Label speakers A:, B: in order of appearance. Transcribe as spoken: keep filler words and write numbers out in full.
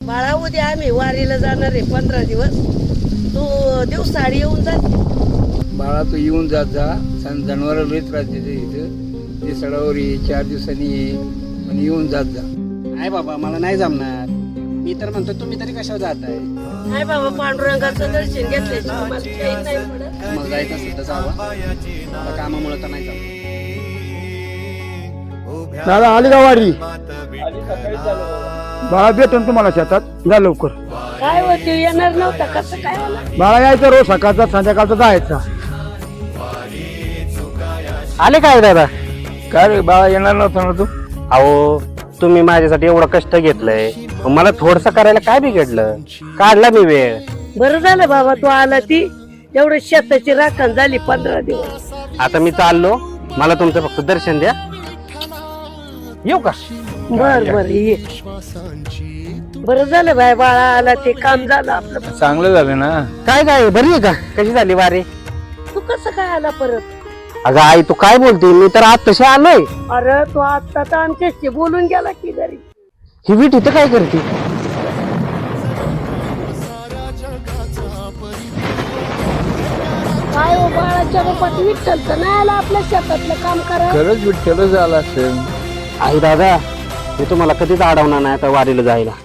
A: बाळा उद्या आम्ही वारीला जाणार आहे पंधरा दिवस. तू दिवसाआड येऊन जा.
B: बाळा तू येऊन जात जा. जनावर लई त्रास देते इथं. ते सडावर ये, चार दिवसांनी ये, पण येऊन जात जा.
C: नाही बाबा मला नाही जमणार. मी तर म्हणतो तुम्ही तरी कशावर जाताय.
A: नाही बाबा, पांडुरंगाचं दर्शन घेतल्याशिवाय मला काही नाही पडत.
C: मग जायचं असेल तर जावा. आता कामामुळे तर नाही जमणार.
D: दादा आली का वारी? बाळा भेटून तुम्हाला शेतात जा लवकर.
A: काय होते येणार नव्हता, कसं काय आला?
D: बाळा यायचं रोज सकाळचा संध्याकाळचा जायचा.
E: आले काय दादा?
B: काय रे बाळा येणार नव्हता ना तू?
E: अहो तुम्ही माझ्यासाठी एवढं कष्ट घेतलंय, मग मला थोडस करायला काय बिघडलं? काढला मी वेळ.
A: बरं झालं बाबा तू आला. ती एवढं शेताची राखण झाली पंधरा दिवस.
E: आता मी चाललो, मला तुमचं फक्त दर्शन द्या. येऊ का?
A: बर बर ये. बरं झालं बाय, बाळा आला ते काम झालं आपलं.
B: चांगलं झालं ना.
E: काय काय बरी आहे का? कशी झाली वारी?
A: तू कसं काय आला परत?
E: अगं आई तू काय बोलते? मी तर आज तशी आलोय.
A: अरे तू आता तर आमच्याशी बोलून गेला की घरी.
E: ही वीट इथं काय करते?
A: काय हो बाळाच्या रूपात विठ्ठल तर नाही आला आपल्या शेतातलं काम करा.
B: खरंच विठ्ठलच आला असेल.
E: आई दादा मी तुम्हाला कधीच अडवणार नाही आता वारीला जायला.